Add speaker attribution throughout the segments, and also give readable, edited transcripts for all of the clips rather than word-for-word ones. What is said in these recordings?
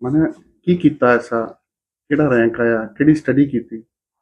Speaker 1: मैंने की कीता ऐसा केड़ा रैंक आया केड़ी स्टडी कीती?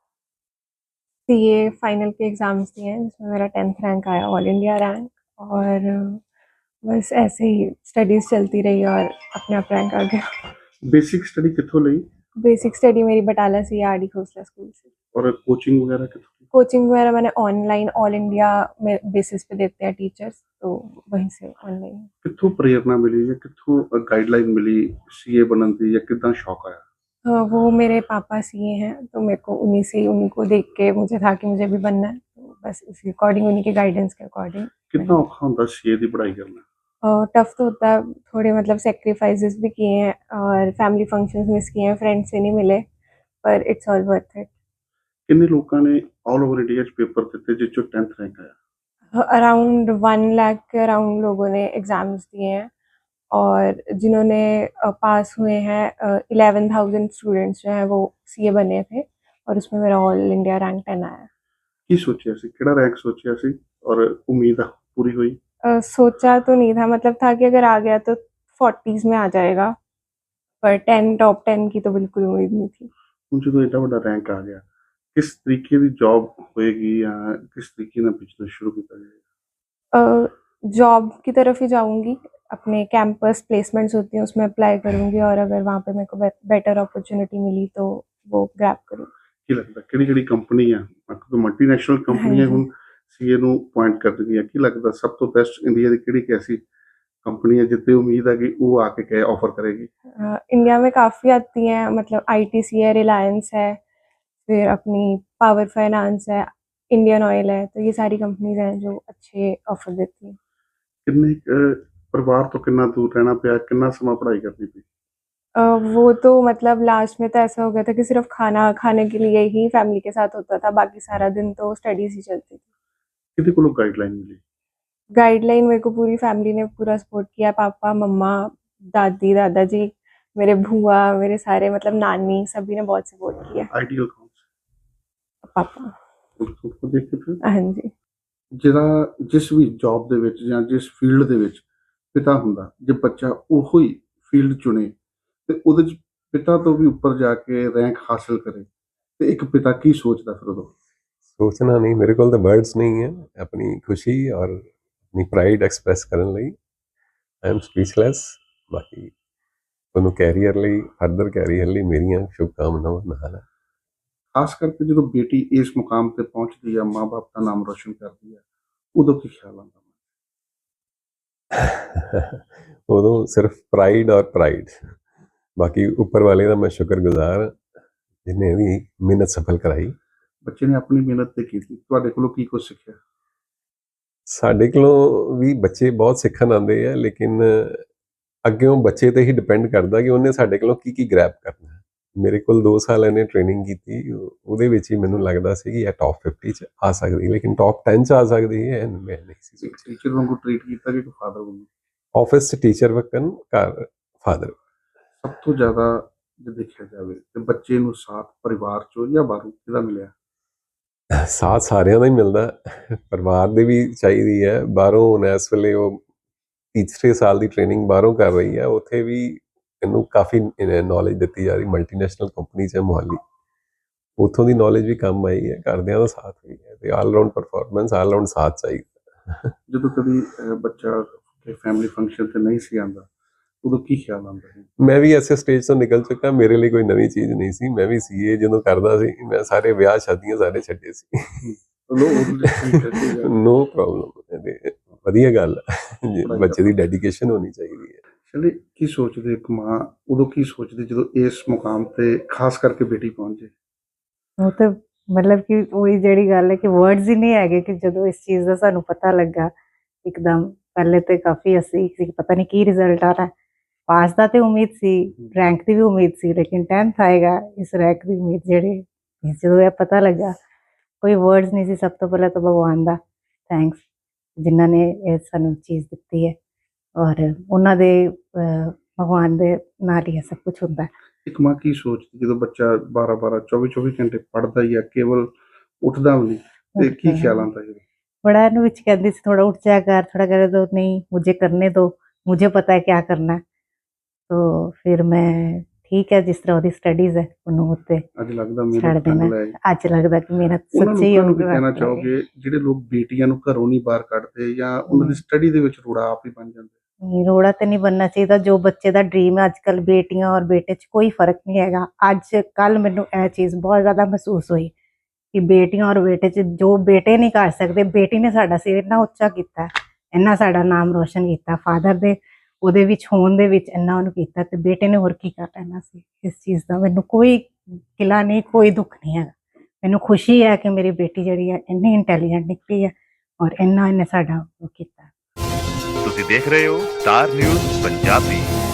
Speaker 2: सीए फाइनल के एग्ज़ाम्स दिए हैं जिसमें मेरा 10th रैंक आया, ऑल इंडिया रैंक। और बस ऐसे ही स्टडीज़ चलती रही और अपने आप रैंक आ गया।
Speaker 1: बेसिक स्टडी कित्थों लई
Speaker 2: बेसिक स्टडी मेरी बटाला सीआरडी खोसला स्कूल से।
Speaker 1: और कोचिंग वगैरह कित्थों?
Speaker 2: कोचिंग वगैरह मैंने ऑनलाइन ऑल इंडिया में बेसिस पे देते हैं टीचर्स, तो वहीं से ऑनलाइन।
Speaker 1: कित्थों प्रेरणा मिली या कित्थों गाइडलाइन मिली सीए बनन दी या किद्दां शौक आया?
Speaker 2: वो मेरे पापा सीए हैं, तो मेरे को उन्हीं से उन्हीं को देख के मुझे था कि मुझे भी बनना है, तो बस उसी अकॉर्डिंग उन्हीं के गाइडेंस के अकॉर्डिंग
Speaker 1: कितना
Speaker 2: मैंने।
Speaker 1: औखा हुंदा सीए दी पढ़ाई करना?
Speaker 2: टफ तो होता है, थोड़े मतलब सैक्रिफाइसेस भी किए हैं और फैमिली फंक्शंस मिस किए हैं, फ्रेंड्स से नहीं मिले, पर इट्स ऑल वर्थ इट।
Speaker 1: किन्ने लोकां ने ऑल ओवर इंडिया च पेपर दित्ते जिस चों 10th रैंक आया?
Speaker 2: अराउंड 1 लाख के अराउंड लोगों ने एग्ज़ाम्स दिए हैं और जिन्होंने पास हुए हैं 11,000 स्टूडेंट्स जो हैं वो सीए बने थे और उसमें मेरा ऑल इंडिया रैंक 10 आया।
Speaker 1: की सोचेआ सी केड़ा रैंक सोचेआ सी और उम्मीद पूरी हुई?
Speaker 2: सोचा तो नहीं था, मतलब था कि अगर आ गया तो 40s में आ जाएगा, पर 10 टॉप 10 की तो बिल्कुल उम्मीद नहीं थी।
Speaker 1: ਹੁਣ ਜਦੋਂ ਏਡਾ ਵੱਡਾ ਰੈਂਕ ਆ ਗਿਆ ਕਿਸ ਤਰੀਕੇ ਦੀ ਜੌਬ ਹੋਏਗੀ ਜਾਂ ਕਿਸ तरीके ਨਾਲ बिजनेस शुरू ਕੀਤਾ ਜਾਏਗਾ?
Speaker 2: जॉब की तरफ ही जाऊँगी, अपने कैंपस प्लेसमेंट्स होती हैं उसमें अप्लाई करूँगी और अगर वहाँ पे मेरे को बेटर अपॉर्चुनिटी मिली तो वो ग्रैब करूँगी।
Speaker 1: ਕੀ ਲੱਗਦਾ ਕਿਹੜੀ-ਕਿਹੜੀ ਕੰਪਨੀ ਆ ਕਿਉਂਕਿ ਮਲਟੀਨੈਸ਼ਨਲ
Speaker 2: हाँ
Speaker 1: ਕੰਪਨੀਆਂ
Speaker 2: जी।
Speaker 1: ਹੁਣ ਸੀਏ ਨੂੰ ਪੁਆਇੰਟ ਕਰਦੀਆਂ ਕੀ ਲੱਗਦਾ ਸਭ ਤੋਂ ਬੈਸਟ ਇੰਡੀਆ ਦੀ ਕਿਹੜੀ ਐਸੀ कंपनी है जितनी उम्मीद है कि वो आके क्या ऑफर करेगी?
Speaker 2: इंडिया में काफ़ी आती हैं, मतलब आईटीसी है, रिलायंस है, फिर अपनी पावर फाइनेंस है, इंडियन ऑयल है, तो ये सारी कंपनीज़ हैं जो अच्छे ऑफर देती हैं।
Speaker 1: किन्ने परिवार तो कितना दूर रहना पिया कितना समा पढ़ाई करनी पई?
Speaker 2: वो तो मतलब लास्ट में तो ऐसा हो गया था कि सिर्फ खाना खाने के लिए ही फैमिली के साथ होता था, बाकी सारा दिन तो स्टडीज़ ही चलती थी।
Speaker 1: किहदे कोलों गाइडलाइन मिली?
Speaker 2: गाइडलाइन मेरे को पूरी फैमिली ने पूरा सपोर्ट किया, पापा, मम्मा, दादी, दादाजी, मेरे भूआ, मेरे सारे मतलब नानी, सभी ने बहुत सपोर्ट किया।
Speaker 1: आइडियल कौन सा?
Speaker 2: पापा।
Speaker 1: उसको देख के फिर
Speaker 2: हाँ जी।
Speaker 1: ਜਿਹੜਾ ਜਿਸ ਵੀ ਜੌਬ ਦੇ ਵਿੱਚ ਜਾਂ ਜਿਸ ਫੀਲਡ ਦੇ ਵਿੱਚ ਪਿਤਾ ਹੁੰਦਾ ਜੇ ਬੱਚਾ ਉਹੋ ਹੀ ਫੀਲਡ ਚੁਣੇ ਤੇ ਉਹਦੇ ਚ ਪਿਤਾ ਤੋਂ ਵੀ ਉੱਪਰ ਜਾ ਕੇ ਰੈਂਕ ਹਾਸਲ ਕਰੇ ਤੇ ਇੱਕ ਪਿਤਾ ਕੀ ਸੋਚਦਾ ਫਿਰ ਉਦੋਂ?
Speaker 3: सोचना नहीं, मेरे को तो वर्ड्स नहीं है अपनी खुशी और अपनी प्राइड एक्सप्रैस करने ਲਈ। I am speechless. बाकी ਤੁਹਾਨੂੰ ਕੈਰੀਅਰ ਲਈ ਫਰਦਰ ਕੈਰੀਅਰ ਲਈ ਮੇਰੀਆਂ ਸ਼ੁਭਕਾਮਨਾਵਾਂ ਨਾਲ ਹੈ।
Speaker 1: ਖਾਸ ਕਰਕੇ ਜਦੋਂ ਬੇਟੀ ਇਸ ਮੁਕਾਮ ਤੇ ਪਹੁੰਚਦੀ ਆ ਮਾਂ-ਬਾਪ ਦਾ ਨਾਮ ਰੋਸ਼ਨ ਕਰਦੀ ਆ ਉਦੋਂ ਕੀ ਖਿਆਲ ਆਉਂਦਾ?
Speaker 3: ਉਦੋਂ ਸਿਰਫ ਪ੍ਰਾਈਡ ਔਰ ਪ੍ਰਾਈਡ। ਬਾਕੀ ਉੱਪਰ ਵਾਲੇ ਦਾ ਮੈਂ ਸ਼ੁਕਰਗੁਜ਼ਾਰ ਜਿਹਨੇ ਵੀ ਮਿਹਨਤ ਸਫਲ ਕਰਾਈ।
Speaker 1: ਬੱਚੇ ਨੇ ਆਪਣੀ ਮਿਹਨਤ ਤੇ ਕੀਤੀ ਤੁਹਾਡੇ ਕੋਲੋਂ ਕੀ ਕੁਝ ਸਿੱਖਿਆ?
Speaker 3: ਸਾਡੇ ਕੋਲੋਂ ਵੀ ਬੱਚੇ ਬਹੁਤ ਸਿੱਖਣ ਆਉਂਦੇ ਆ, ਲੇਕਿਨ ਅੱਗਿਓਂ ਬੱਚੇ ਤੇ ਹੀ ਡਿਪੈਂਡ ਕਰਦਾ ਕਿ ਉਹਨੇ ਸਾਡੇ ਕੋਲੋਂ ਕੀ ਕੀ ਗ੍ਰੈਬ ਕਰਨਾ ਹੈ। ਮੇਰੇ ਕੋਲ 2 ਸਾਲ ਇਹਨੇ ਟ੍ਰੇਨਿੰਗ ਕੀਤੀ, ਉਹਦੇ ਵਿੱਚ ਹੀ ਮੈਨੂੰ ਲੱਗਦਾ ਸੀ ਕਿ ਇਹ ਟੌਪ 50 'ਚ ਆ ਸਕਦੀ, ਲੇਕਿਨ ਟੌਪ 10 'ਚ ਆ ਸਕਦੀ ਹੈ ਮੈਂ ਨਹੀਂ ਸੀ ਸੋਚਿਆ।
Speaker 1: ਟੀਚਰ ਵਾਂਗੂ ਟ੍ਰੀਟ ਕੀਤਾ ਕਿ ਫਾਦਰ ਵਾਂਗੂ?
Speaker 3: ਆਫਿਸ 'ਚ ਟੀਚਰ ਵਕਨ, ਘਰ ਫਾਦਰ।
Speaker 1: ਸਭ ਤੋਂ ਜ਼ਿਆਦਾ ਜੇ ਦੇਖਿਆ ਜਾਵੇ ਤੇ ਬੱਚੇ ਨੂੰ ਸਾਥ ਪਰਿਵਾਰ ਚੋਂ ਜਾਂ ਬਾਹਰੋਂ ਕਿਹਦਾ ਮਿਲਿਆ?
Speaker 3: ਸਾਥ ਸਾਰਿਆਂ ਦਾ ਹੀ ਮਿਲਦਾ, ਪਰਿਵਾਰ ਦੀ ਵੀ ਚਾਹੀਦੀ ਹੈ। ਬਾਹਰੋਂ ਹੁਣ ਇਸ ਵੇਲੇ ਉਹ ਤੀਸਰੇ ਸਾਲ ਦੀ ਟ੍ਰੇਨਿੰਗ ਬਾਹਰੋਂ ਕਰ ਰਹੀ ਹੈ, ਉੱਥੇ ਵੀ ਇਹਨੂੰ ਕਾਫੀ ਨੌਲੇਜ ਦਿੱਤੀ ਜਾ ਰਹੀ। ਮਲਟੀਨੈਸ਼ਨਲ ਕੰਪਨੀ 'ਚ ਮੋਹਾਲੀ, ਉੱਥੋਂ ਦੀ ਨੌਲੇਜ ਵੀ ਕੰਮ ਆਈ ਹੈ, ਘਰਦਿਆਂ ਦਾ ਸਾਥ ਵੀ ਹੈ ਤੇ all round performance, all round ਸਾਥ ਚਾਹੀਦਾ।
Speaker 1: ਜਦੋਂ ਕਦੀ ਬੱਚਾ ਫੈਮਿਲੀ ਫੰਕਸ਼ਨ ਤੇ ਨਹੀਂ ਸੀ ਆਉਂਦਾ ਉਦੋਂ ਕੀ ਖਿਆਲ ਆਉਂਦਾ ਸੀ?
Speaker 3: ਮੈਂ ਵੀ ਐਸੇ ਸਟੇਜ ਤੋਂ ਨਿਕਲ ਚੁੱਕਾ, ਮੇਰੇ ਲਈ ਕੋਈ ਨਵੀਂ ਚੀਜ਼ ਨਹੀਂ ਸੀ। ਮੈਂ ਵੀ ਸੀਏ ਜਦੋਂ ਕਰਦਾ ਸੀ, ਮੈਂ ਸਾਰੇ ਵਿਆਹ ਸ਼ਾਦੀਆਂ ਸਾਰੇ ਛੱਡੇ ਸੀ। ਨੋ ਪ੍ਰੋਬਲਮ, ਵਧੀਆ ਗੱਲ ਹੈ। ਬੱਚੇ ਦੀ ਡੈਡੀਕੇਸ਼ਨ ਹੋਣੀ ਚਾਹੀਦੀ ਹੈ।
Speaker 1: ਚਲੇ ਕੀ ਸੋਚਦੇ ਇੱਕ ਮਾਂ ਉਦੋਂ ਕੀ ਸੋਚਦੀ ਜਦੋਂ ਇਸ ਮੁਕਾਮ ਤੇ ਖਾਸ ਕਰਕੇ ਬੇਟੀ ਪਹੁੰਚ ਜਾਏ?
Speaker 4: ਉਹ ਤਾਂ ਮਤਲਬ ਕਿ ਉਹੀ ਜਿਹੜੀ ਗੱਲ ਹੈ ਕਿ ਵਰਡਸ ਹੀ ਨਹੀਂ ਹੈਗੇ ਕਿ ਜਦੋਂ ਇਸ ਚੀਜ਼ ਦਾ ਸਾਨੂੰ ਪਤਾ ਲੱਗਾ ਇੱਕਦਮ। ਪਹਿਲੇ ਤੇ ਕਾਫੀ ਅਸੀਂ ਸੀ ਪਤਾ ਨਹੀਂ ਕੀ ਰਿਜ਼ਲਟ ਆਣਾ। ਪਾਸ ਦਾ ਤੇ ਉਮੀਦ ਸੀ, ਰੈਂਕ ਦੀ ਵੀ ਉਮੀਦ ਸੀ, ਲੇਕਿਨ 10th ਆਏਗਾ ਇਸ ਰੈਂਕ ਦੀ ਉਮੀਦ ਜਿਹੜੀ ਜਦੋਂ ਇਹ ਪਤਾ ਲੱਗਾ ਕੋਈ ਵਰਡਸ ਨਹੀਂ ਸੀ। ਸਭ ਤੋਂ ਪਹਿਲਾਂ ਤਾਂ ਭਗਵਾਨ ਦਾ ਥੈਂਕਸ ਜਿਨ੍ਹਾਂ ਨੇ ਇਹ ਸਾਨੂੰ ਚੀਜ਼ ਦਿੱਤੀ ਹੈ ਔਰ ਉਹਨਾਂ ਦੇ ਭਗਵਾਨ ਦੇ ਨਾਲ ਹੀ ਸਭ ਕੁਝ ਹੁੰਦਾ।
Speaker 1: ਇੱਕ ਮਾਂ ਕੀ ਸੋਚਦੀ ਜਦੋਂ ਬੱਚਾ 12-12 24-24 ਘੰਟੇ ਪੜ੍ਹਦਾ ਹੀ ਆ, ਕੇਵਲ ਉੱਠਦਾ ਵੀ ਨਹੀਂ ਤੇ ਕੀ ਖਿਆਲ ਆਉਂਦਾ? ਜਦੋਂ
Speaker 4: बड़ा नु विच कहती थी थोड़ा उठ जाया कर, थोड़ा करे तो नहीं मुझे करने दो, मुझे पता है क्या करना है। तो फिर मैं ਠੀਕ ਹੈ, ਜਿਸ ਤਰ੍ਹਾਂ ਉਹਦੀ ਸਟੱਡੀਜ਼ ਹੈ ਉਹਨੂੰ ਉੱਤੇ
Speaker 1: ਅੱਜ ਲੱਗਦਾ ਮੇਰੇ
Speaker 4: ਛੱਡ
Speaker 1: ਢੰਗ
Speaker 4: ਦੇਣਾ।
Speaker 1: ਲੈ
Speaker 4: ਅੱਜ ਲੱਗਦਾ ਕਿ ਮੇਰਾ
Speaker 1: ਉਹਨਾਂ
Speaker 4: ਸੱਚੀ
Speaker 1: ਲੋਕਾਂ ਨੂੰ ਕੀ
Speaker 4: ਉਹ
Speaker 1: ਕਹਿਣਾ ਚਾਹੋਗੇ ਜਿਹੜੇ ਲੋਕ ਬੇਟੀਆਂ ਨੂੰ ਘਰੋਂ ਨਹੀਂ ਬਾਹਰ ਕੱਢਦੇ ਜਾਂ ਉਹਨਾਂ ਦੀ ਸਟੱਡੀ ਦੇ ਵਿੱਚ ਰੋੜਾ ਆਪ ਹੀ ਬਣ ਜਾਂਦੇ?
Speaker 4: ਨਹੀਂ, ਰੋੜਾ ਤੇ ਨਹੀਂ ਬਣਨਾ ਚਾਹੀਦਾ। ਜੋ ਬੱਚੇ ਦਾ ਡ੍ਰੀਮ ਹੈ, ਅੱਜ ਕੱਲ ਬੇਟੀਆਂ ਔਰ ਬੇਟੇ 'ਚ ਕੋਈ ਫਰਕ ਨਹੀਂ ਹੈਗਾ। ਅੱਜ ਕੱਲ ਮੈਨੂੰ ਇਹ ਚੀਜ਼ ਬਹੁਤ ਜ਼ਿਆਦਾ ਮਹਿਸੂਸ ਹੋਈ ਕਿ ਬੇਟੀਆਂ ਔਰ ਬੇਟੇ 'ਚ ਜੋ ਬੇਟੇ ਨਹੀਂ ਕਰ ਸਕਦੇ, ਬੇਟੀ ਨੇ ਸਾਡਾ ਸਿਰ ਇੰਨਾ ਉੱਚਾ ਕੀਤਾ, ਇੰਨਾ ਸਾਡਾ ਨਾਮ ਰੋਸ਼ਨ ਕੀਤਾ, ਫਾਦਰ ਦੇ ਉਹਦੇ ਵਿੱਚ ਹੋਣ ਦੇ ਵਿੱਚ ਇੰਨਾ ਉਹਨੂੰ ਕੀਤਾ, ਤੇ ਬੇਟੇ ਨੇ ਹੋਰ ਕੀ ਕਰ ਲੈਣਾ ਸੀ। ਇਸ ਚੀਜ਼ ਦਾ ਮੈਨੂੰ ਕੋਈ ਗਿਲਾ ਨਹੀਂ, ਕੋਈ ਦੁੱਖ ਨਹੀਂ ਹੈਗਾ। ਮੈਨੂੰ ਖੁਸ਼ੀ ਹੈ ਕਿ ਮੇਰੀ ਬੇਟੀ ਜਿਹੜੀ ਹੈ ਇੰਨੀ ਇੰਟੈਲੀਜੈਂਟ ਨਿਕਲੀ ਹੈ ਔਰ ਇੰਨਾ ਇਹਨੇ ਸਾਡਾ ਉਹ ਕੀਤਾ।
Speaker 5: ਤੁਸੀਂ ਦੇਖ ਰਹੇ ਹੋ ਸਟਾਰ ਨਿਊਜ਼ ਪੰਜਾਬੀ।